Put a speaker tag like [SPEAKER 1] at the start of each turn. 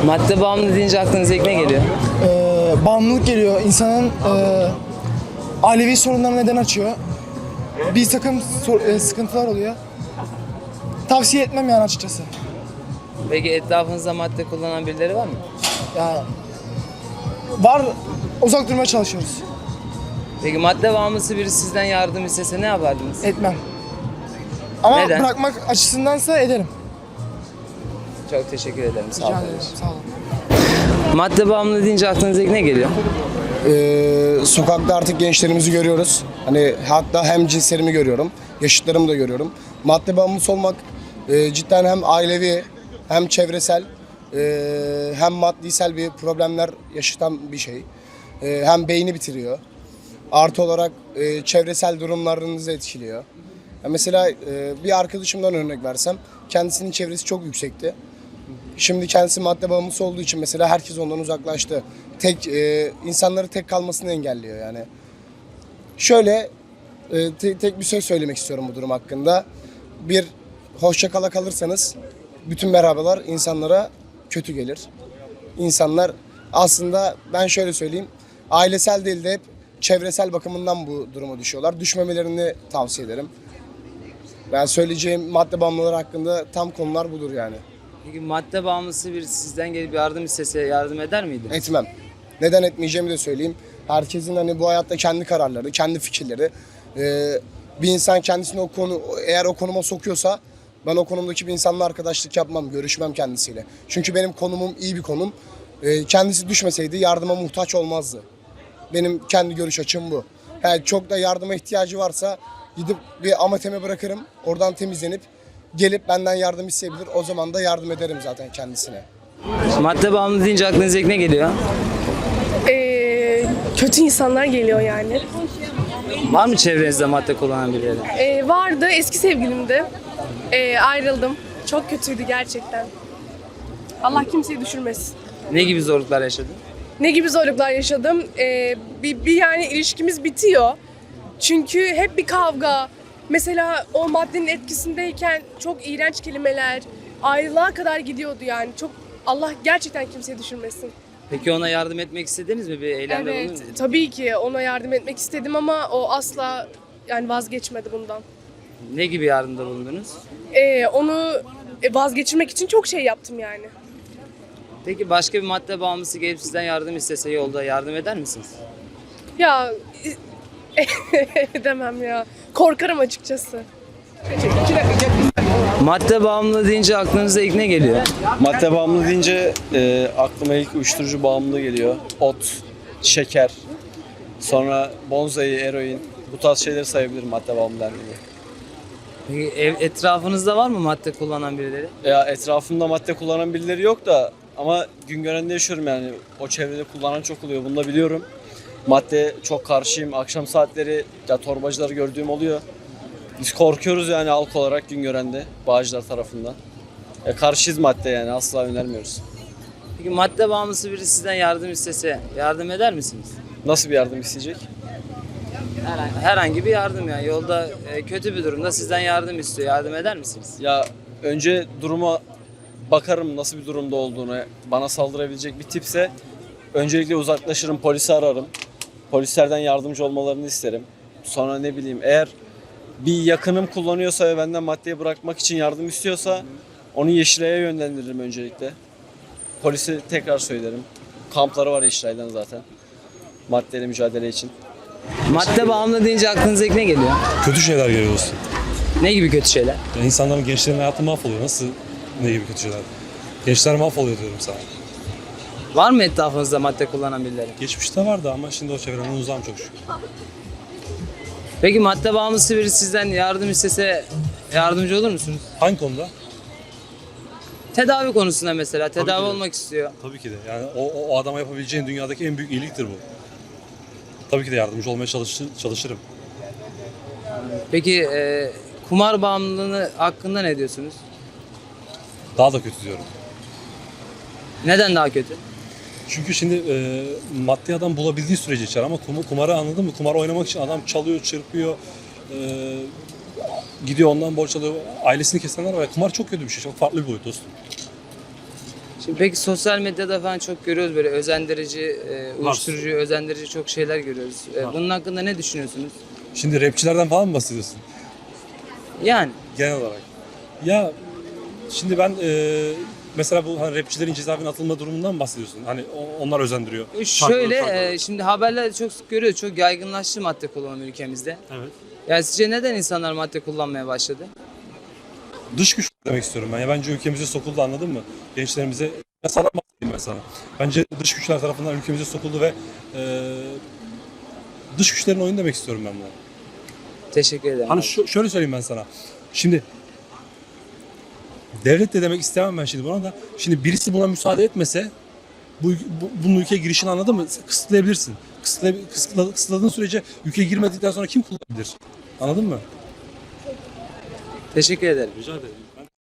[SPEAKER 1] Madde bağımlı deyince aklınıza ilk ne geliyor?
[SPEAKER 2] Bağımlılık geliyor. İnsanın ailevi sorunlarına neden açıyor. Bir takım sıkıntılar oluyor. Tavsiye etmem yani açıkçası.
[SPEAKER 1] Peki etrafınızda madde kullanan birileri var mı?
[SPEAKER 2] Ya var, uzak durmaya çalışıyoruz.
[SPEAKER 1] Peki madde bağımlısı biri sizden yardım istese ne yapardınız?
[SPEAKER 2] Etmem. Ama
[SPEAKER 1] Neden?
[SPEAKER 2] bırakmak açısındansa ederim.
[SPEAKER 1] Çok teşekkür ederim. Sağ
[SPEAKER 2] Rica
[SPEAKER 1] olun.
[SPEAKER 2] ederim. Sağ olun.
[SPEAKER 1] Madde bağımlı deyince aklınıza ilk ne geliyor?
[SPEAKER 3] Sokakta artık gençlerimizi görüyoruz. Hani hatta hem cinslerimi görüyorum, yaşıtlarımı da görüyorum. Madde bağımlısı olmak cidden hem ailevi hem çevresel hem maddisel bir problemler yaşatan bir şey. Hem beyni bitiriyor. Artı olarak çevresel durumlarınızı etkiliyor. Ya mesela bir arkadaşımdan örnek versem, kendisinin çevresi çok yüksekti. Şimdi kendisi madde bağımlısı olduğu için mesela herkes ondan uzaklaştı. İnsanları tek kalmasını engelliyor yani. Şöyle tek bir söz söylemek istiyorum bu durum hakkında. Bir, hoşça kala kalırsanız bütün merhabalar insanlara kötü gelir. İnsanlar aslında, ben şöyle söyleyeyim, ailesel değil de hep çevresel bakımından bu duruma düşüyorlar. Düşmemelerini tavsiye ederim. Ben söyleyeceğim madde bağımlıları hakkında tam konular budur yani.
[SPEAKER 1] Peki madde bağımlısı biri sizden gelip yardım istese yardım eder miydiniz?
[SPEAKER 3] Etmem. Neden etmeyeceğimi de söyleyeyim. Herkesin hani bu hayatta kendi kararları, kendi fikirleri. Bir insan kendisini eğer o konuma sokuyorsa ben o konumdaki bir insanla arkadaşlık yapmam, görüşmem kendisiyle. Çünkü benim konumum iyi bir konum. Kendisi düşmeseydi yardıma muhtaç olmazdı. Benim kendi görüş açım bu. Yani çok da yardıma ihtiyacı varsa gidip bir amateme bırakırım. Oradan temizlenip gelip benden yardım isteyebilir. O zaman da yardım ederim zaten kendisine.
[SPEAKER 1] Madde bağımlı deyince aklınıza ilk ne geliyor?
[SPEAKER 4] Kötü insanlar geliyor yani.
[SPEAKER 1] Var mı çevrenizde madde kullanan birileri?
[SPEAKER 4] Vardı, eski sevgilimdi. Ayrıldım. Çok kötüydü gerçekten. Allah kimseyi düşürmesin.
[SPEAKER 1] Ne gibi zorluklar yaşadın?
[SPEAKER 4] Ne gibi zorluklar yaşadım? Bir yani ilişkimiz bitiyor. Çünkü hep bir kavga. Mesela o maddenin etkisindeyken çok iğrenç kelimeler, ayrılığa kadar gidiyordu yani. Çok, Allah gerçekten kimseyi düşürmesin.
[SPEAKER 1] Peki ona yardım etmek istediniz mi? Bir eylemde
[SPEAKER 4] Evet,
[SPEAKER 1] bulundunuz mu?
[SPEAKER 4] tabii ki ona yardım etmek istedim ama o asla yani vazgeçmedi bundan.
[SPEAKER 1] Ne gibi yardımda bulundunuz?
[SPEAKER 4] Onu vazgeçirmek için çok şey yaptım yani.
[SPEAKER 1] Peki başka bir madde bağımlısı gelip sizden yardım istese yolda yardım eder misiniz?
[SPEAKER 4] Ya demem ya. Korkarım açıkçası.
[SPEAKER 1] Madde bağımlı deyince aklınıza ilk ne geliyor?
[SPEAKER 5] Madde bağımlı deyince aklıma ilk uyuşturucu bağımlılığı geliyor. Ot, şeker, sonra bonzai, eroin, bu tarz şeyleri sayabilirim madde bağımlı dendiğinde.
[SPEAKER 1] Peki etrafınızda var mı madde kullanan birileri?
[SPEAKER 5] Ya etrafımda madde kullanan birileri yok da ama Güngören'de yaşıyorum yani. O çevrede kullanan çok oluyor, bunu da biliyorum. Madde çok karşıyım. Akşam saatleri ya torbacıları gördüğüm oluyor. Biz korkuyoruz yani halk olarak Güngören'de, Bağcılar tarafından. Karşıyız madde yani, asla önermiyoruz.
[SPEAKER 1] Peki madde bağımlısı biri sizden yardım istese yardım eder misiniz?
[SPEAKER 5] Nasıl bir yardım isteyecek?
[SPEAKER 1] Herhangi bir yardım yani. Yolda kötü bir durumda sizden yardım istiyor. Yardım eder misiniz?
[SPEAKER 5] Ya önce duruma bakarım, nasıl bir durumda olduğunu. Bana saldırabilecek bir tipse öncelikle uzaklaşırım, polisi ararım. Polislerden yardımcı olmalarını isterim. Sonra ne bileyim, eğer bir yakınım kullanıyorsa ve benden maddeyi bırakmak için yardım istiyorsa onu Yeşilay'a yönlendiririm öncelikle. Polise tekrar söylerim. Kampları var Yeşilay'dan zaten. Maddeyle mücadele için.
[SPEAKER 1] Madde bağımlı deyince aklınıza ilk ne geliyor?
[SPEAKER 6] Kötü şeyler görüyoruz.
[SPEAKER 1] Ne gibi kötü şeyler?
[SPEAKER 6] Yani insanların, gençlerin hayatı mahvoluyor. Nasıl, ne gibi kötü şeyler? Gençler mahvoluyor diyorum sana.
[SPEAKER 1] Var mı etrafınızda madde kullanan birileri?
[SPEAKER 6] Geçmişte vardı ama şimdi o çevreden uzağım çok şükür.
[SPEAKER 1] Peki madde bağımlısı biri sizden yardım istese yardımcı olur musunuz?
[SPEAKER 6] Hangi konuda?
[SPEAKER 1] Tedavi konusunda mesela.
[SPEAKER 6] Tabii
[SPEAKER 1] Tedavi
[SPEAKER 6] ki de.
[SPEAKER 1] olmak istiyor.
[SPEAKER 6] Tabii ki de. Yani o adama yapabileceğin dünyadaki en büyük iyiliktir bu. Tabii ki de yardımcı olmaya çalışırım.
[SPEAKER 1] Peki kumar bağımlılığı hakkında ne diyorsunuz?
[SPEAKER 6] Daha da kötü diyorum.
[SPEAKER 1] Neden daha kötü?
[SPEAKER 6] Çünkü şimdi maddi adam bulabildiği sürece içer ama kumarı anladın mı? Kumar oynamak için adam çalıyor, çırpıyor, gidiyor ondan borç alıyor. Ailesini kesenler var. Kumar çok kötü bir şey. Çok farklı bir boyut dostum.
[SPEAKER 1] Şimdi peki sosyal medyada falan çok görüyoruz böyle özendirici, uyuşturucu, özendirici çok şeyler görüyoruz. Bunun hakkında ne düşünüyorsunuz?
[SPEAKER 6] Şimdi rapçilerden falan mı bahsediyorsun?
[SPEAKER 1] Yani
[SPEAKER 6] Genel olarak. Ya şimdi ben mesela bu hani rapçilerin cezaevine atılma durumundan mı bahsediyorsun? Hani onlar özendiriyor.
[SPEAKER 1] şöyle şimdi haberlerde çok sık görüyoruz. Çok yaygınlaştı madde kullanımı ülkemizde.
[SPEAKER 6] Evet.
[SPEAKER 1] Yani sizce neden insanlar madde kullanmaya başladı?
[SPEAKER 6] Dış güç demek istiyorum ben. Ya bence ülkemize sokuldu, anladın mı? Gençlerimize sana bahsedeyim ben sana. Bence dış güçler tarafından ülkemize sokuldu ve dış güçlerin oyunu demek istiyorum ben buna.
[SPEAKER 1] Teşekkür ederim.
[SPEAKER 6] Hani
[SPEAKER 1] abi.
[SPEAKER 6] şöyle söyleyeyim ben sana. Şimdi devlet de demek istemem ben şimdi buna da. Şimdi birisi buna müsaade etmese bunun ülkeye girişini, anladın mı? Kısıtlayabilirsin. Kısıtladığın sürece ülkeye girmedikten sonra kim kullanabilir? Anladın mı?
[SPEAKER 1] Teşekkür ederim.
[SPEAKER 6] Rica ederim.